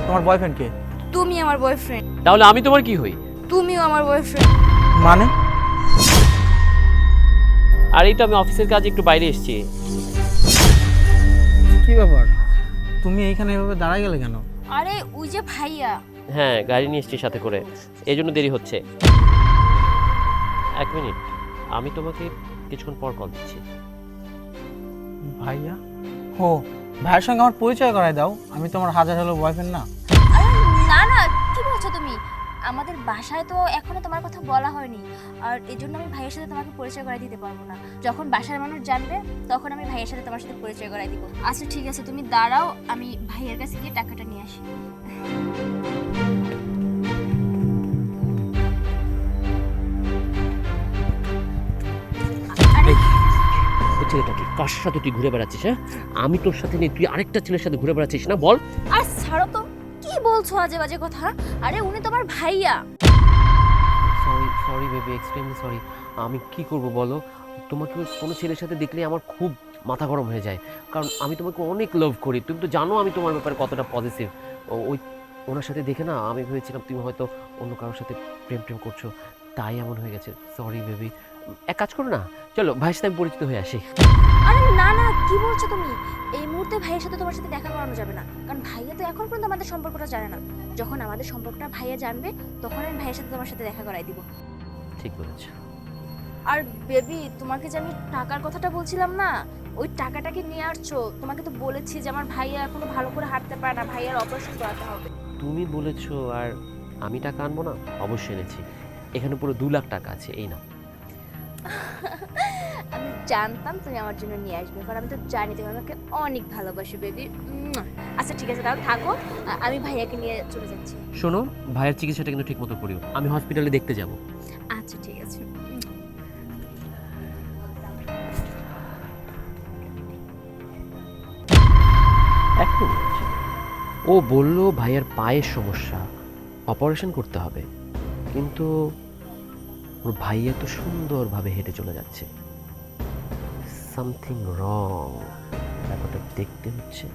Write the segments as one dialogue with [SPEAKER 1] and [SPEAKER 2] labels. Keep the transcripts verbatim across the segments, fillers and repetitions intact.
[SPEAKER 1] তোমার বয়ফ্রেন্ড কে?
[SPEAKER 2] তুমি আমার বয়ফ্রেন্ড।
[SPEAKER 3] তাহলে আমি তোমার কি হই?
[SPEAKER 2] তুমিও আমার বয়ফ্রেন্ড।
[SPEAKER 1] মানে?
[SPEAKER 3] আর এই তো আমি অফিসের কাজে একটু বাইরে এসেছি।
[SPEAKER 1] কি ব্যাপার, তুমি এইখানে এভাবে দাঁড়ায় গেলে কেন?
[SPEAKER 2] আরে ওই যে ভাইয়া।
[SPEAKER 3] হ্যাঁ, গাড়ি নিয়ে এসেছি সাথে করে, এই জন্য দেরি হচ্ছে। এক মিনিট, আমি তোমাকে কিছুক্ষণ পর কল দিচ্ছি।
[SPEAKER 1] ভাইয়া? ও, ভাইয়ের সঙ্গে আমার পরিচয় করায় দাও, আমি তোমার হাজার হলো বয়ফ্রেন্ড না।
[SPEAKER 2] আরে না না, কি বলছো তুমি? আমাদের বাসায় তো এখনো তোমার কথা বলা হয়নি, আর এই জন্য আমি ভাইয়ের সাথে তোমাকে পরিচয় করাই দিতে পারবো না। যখন বাসার মানুষ জানবে তখন আমি ভাইয়ের সাথে তোমার সাথে পরিচয় করাই দিব। আচ্ছা ঠিক আছে, তুমি দাঁড়াও, আমি ভাইয়ের কাছে গিয়ে টাকাটা নিয়ে আসি। আরে
[SPEAKER 3] ওই ছেলেটাকে কার সাথে তুই ঘুরে বেড়াচ্ছিস? হ্যাঁ, আমি তোর সাথে নেই, তুই আরেকটা ছেলের সাথে ঘুরে বেড়াচ্ছিস না? বল।
[SPEAKER 2] আর ছাড়ো তো, কি বলছো আজে বাজে কথা? আরে উনি তোমার ভাইয়া।
[SPEAKER 3] Sorry sorry baby, extremely sorry. আমি কি করব বলো, তোমাকে কোনো ছেলের সাথে দেখলে আমার খুব মাথা গরম হয়ে যায়, কারণ আমি তোমাকে অনেক লাভ করি। তুমি তো জানো আমি তোমার ব্যাপারে কতটা পজিটিভ। ওই ওনার সাথে দেখে না আমি ভেবেছিলাম তুমি হয়তো অন্য কারোর সাথে প্রেম প্রেম করছো, তাই এমন হয়ে গেছে। Sorry baby. এক কাজ করো না, চলো ভাইয়ের সাথে আমি পরিচিত হয়ে আসি।
[SPEAKER 2] আরে না না, কি বলছো তুমি? এই মুহূর্তে ভাইয়ের সাথে তোমার সাথে দেখা করানো যাবে না, কারণ ভাইয়া তো এখন পর্যন্ত আমাদের সম্পর্কটা জানে না। যখন আমাদের সম্পর্কটা ভাইয়া জানবে তখন আমি ভাইয়ের সাথে তোমার সাথে দেখা করাই দিব।
[SPEAKER 3] ঠিক বলেছো।
[SPEAKER 2] আর বেবি, তোমাকে যে আমি টাকার কথাটা বলছিলাম না, ওই টাকাটাকে নিয়ে আসছো। তোমাকে তো বলেছি যে আমার ভাইয়া এখনো ভালো করে হাঁটতে পারে না, ভাইয়ার অপারেশন করাতে হবে।
[SPEAKER 3] তুমি বলেছো আর আমি টাকা আনবো না? অবশ্যই এনেছি, এখানে পুরো দু লাখ টাকা আছে, এই না।
[SPEAKER 2] আমি জানতাম তুমি আমার জন্য নিয়ে আসবে, কারণ আমি তো জানি তুমি আমাকে অনেক ভালোবাসো বেবি। আচ্ছা ঠিক আছে, তাহলে থাকো, আ- আমি ভাইয়াকে নিয়ে চলে যাচ্ছি।
[SPEAKER 3] শোনো, ভাইয়ের চিকিৎসাটা কিন্তু ঠিক মতো করিও, আমি হসপিটালে দেখতে যাব।
[SPEAKER 2] আচ্ছা ঠিক আছে।
[SPEAKER 3] এক মিনিট। ও বলল ভাইয়ের পায়ের সমস্যা, অপারেশন করতে হবে, কিন্তু ওর ভাইয়া তো সুন্দরভাবে হেঁটে চলে যাচ্ছে। সামথিং রং, ব্যাপারটা দেখতে হচ্ছে।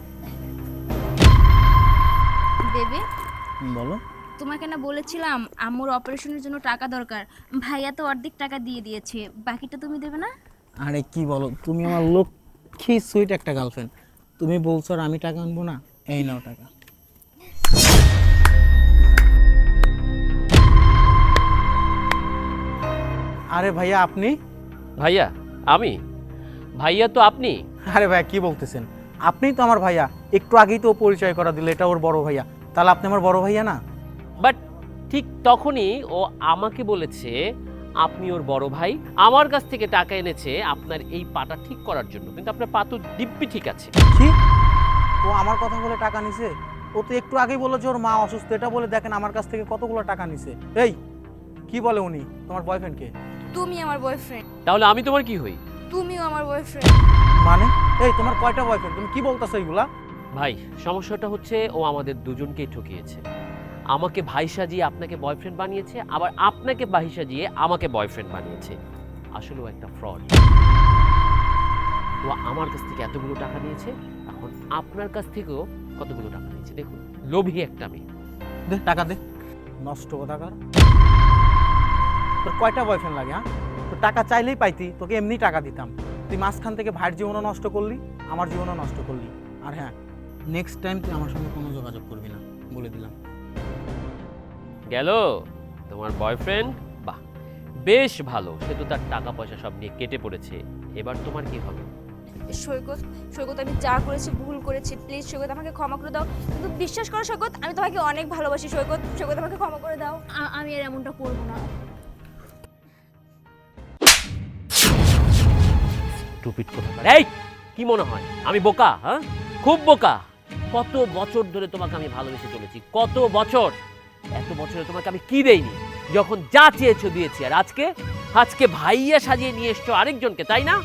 [SPEAKER 2] বেবি,
[SPEAKER 1] বলো।
[SPEAKER 2] তোমাকে না বলেছিলাম আম্মুর অপারেশনের জন্য টাকা দরকার, ভাইয়া তো অর্ধেক টাকা দিয়ে দিয়েছে, বাকিটা তুমি দেবে না?
[SPEAKER 1] আরে কি বলো, তুমি আমার লক্ষ্মী সুইট একটা গার্লফ্রেন্ড, তুমি বলছো আর আমি টাকা আনবো না? এই নাও টাকা। আরে ভাইয়া আপনি?
[SPEAKER 3] ভাইয়া? আমি? ভাইয়া তো আপনি।
[SPEAKER 1] আরে ভাইয়া কি বলতেছেন, আপনিই তো আমার ভাইয়া, একটু আগেই তো ও পরিচয় করা দিলে এটা ওর বড় ভাইয়া, তাহলে আপনি আমার বড় ভাইয়া না?
[SPEAKER 3] বাট ঠিক তখনই ও আমাকে বলেছে আপনি ওর বড় ভাই, আমার কাছ থেকে টাকা এনেছে আপনার এই পাটা ঠিক করার জন্য, কিন্তু আপনার পা তো দিব্যি ঠিক আছে।
[SPEAKER 1] কি? ও আমার কথা বলে টাকা নিছে? ও তো একটু আগেই বললো যে ওর মা অসুস্থ, এটা বলে দেখেন আমার কাছ থেকে কতগুলো টাকা নিছে। এই কি বলে উনি, তোমার বয়ফ্রেন্ড কে?
[SPEAKER 2] তুমি আমার বয়ফ্রেন্ড।
[SPEAKER 3] তাহলে আমি তোমার কি হই?
[SPEAKER 2] তুমিও আমার বয়ফ্রেন্ড।
[SPEAKER 1] মানে? এই তোমার কয়টা বয়ফ্রেন্ড, তুমি কি বলতেছো এইগুলা?
[SPEAKER 3] ভাই, সমস্যাটা হচ্ছে ও আমাদের দুজনকেই ঠকিয়েছে। আমাকে ভাই সাজিয়ে আপনাকে বয়ফ্রেন্ড বানিয়েছে, আবার আপনাকে ভাই সাজিয়ে আমাকে বয়ফ্রেন্ড বানিয়েছে। আসলে ও একটা ফ্রড। ও আমার কাছ থেকে এতগুলো টাকা নিয়েছে, এখন আপনার কাছ থেকেও কতগুলো টাকা নিয়েছে দেখুন। লোভী একটা মেয়ে।
[SPEAKER 1] দে টাকা দে, নষ্ট কোথাকার। তোর কয়টা বয়ফ্রেন্ড লাগে? হ্যাঁ, তোর টাকা চাইলেই পাইতি, তোকে এমনি টাকা দিতাম। তুই মাঝখান থেকে ভাইয়ের জীবনও নষ্ট করলি, আমার জীবনও নষ্ট করলি। আর হ্যাঁ, নেক্সট টাইম তুই আমার সঙ্গে কোনো যোগাযোগ করবি না, বলে দিলাম।
[SPEAKER 3] গেল তোমার বয়ফ্রেন্ড? বাহ, বেশ ভালো, সে তো তার টাকা পয়সা সব নিয়ে কেটে পড়েছে। এবার তোমার কি হবে?
[SPEAKER 2] সৈকত, সৈকত আমি যা করেছি ভুল করেছি, প্লিজ সৈকত আমাকে ক্ষমা করে দাও। কিন্তু বিশ্বাস করো সৈকত, আমি তোমাকে অনেক ভালোবাসি সৈকত। সৈকত আমাকে ক্ষমা করে দাও, আ- আমি আর এমনটা করবো না।
[SPEAKER 3] স্টুপিড কোথাকার। এই কি মনে হয় আমি বোকা? হ্যাঁ, খুব বোকা। কত বছর ধরে তোমাকে আমি ভালোবেসে চলেছি, কত বছর। এত বছরে তোমাকে আমি কি দেইনি? যখন যা চেয়েছো দিয়েছি, আর আজকে আজকে ভাইয়া সাজিয়ে নিয়ে এসছো আরেকজনকে, তাই না?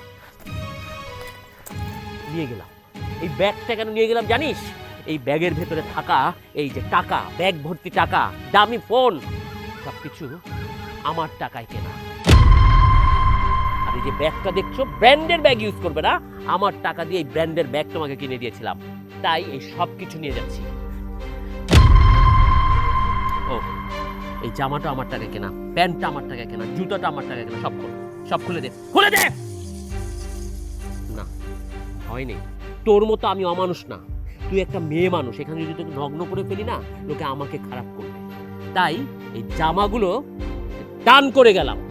[SPEAKER 3] নিয়ে গেলাম এই ব্যাগটা, কেন নিয়ে গেলাম জানিস? এই ব্যাগের ভেতরে থাকা এই যে টাকা, ব্যাগ ভর্তি টাকা, দামি ফোন, সবকিছু আমার টাকায় কেনা। আর এই যে ব্যাগটা দেখছো, ব্র্যান্ডের ব্যাগ ইউজ করবে না, আমার টাকা দিয়ে এই ব্র্যান্ডের ব্যাগ তোমাকে কিনে দিয়েছিলাম, তাই এই সব কিছু নিয়ে যাচ্ছি। এই জামাটা আমার টাকা কেনা, প্যান্টটা আমার টাকা কেনা, জুতাটা আমার টাকা কেনা, সব খোল, সব খুলে দে, খুলে দে। না হয়নি, তোর মতো আমি অমানুষ না, তুই একটা মেয়ে মানুষ, এখানে যদি তোকে নগ্ন করে ফেলি না লোকে আমাকে খারাপ করবে, তাই এই জামাগুলো দান করে গেলাম।